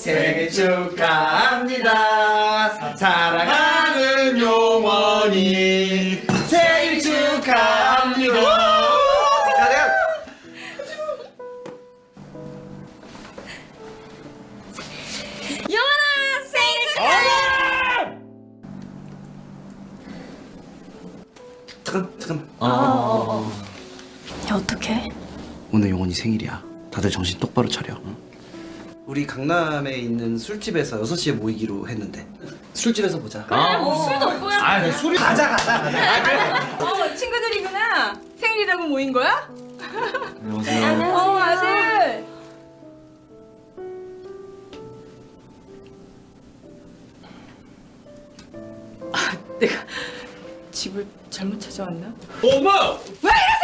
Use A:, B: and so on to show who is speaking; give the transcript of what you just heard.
A: 생일 축하합니다. 사랑하는 용원이 생일 축하합니다. 자, 내가
B: 영원아 생일 축하해.
A: 잠깐.
B: 야 어떡해?
A: 오늘 용원이 생일이야. 다들 정신 똑바로 차려. 응? 우리 강남에 있는 술집에서 6시에 모이기로 했는데 술집에서 보자.
B: 뭐 술도 없고요.
A: 아, 술이 가자.
B: 친구들이구나. 생일이라고 모인 거야?
A: 안녕하세요.
B: 아들. 내가 집을 잘못 찾아왔나?
A: 어머!
B: 왜 이랬어?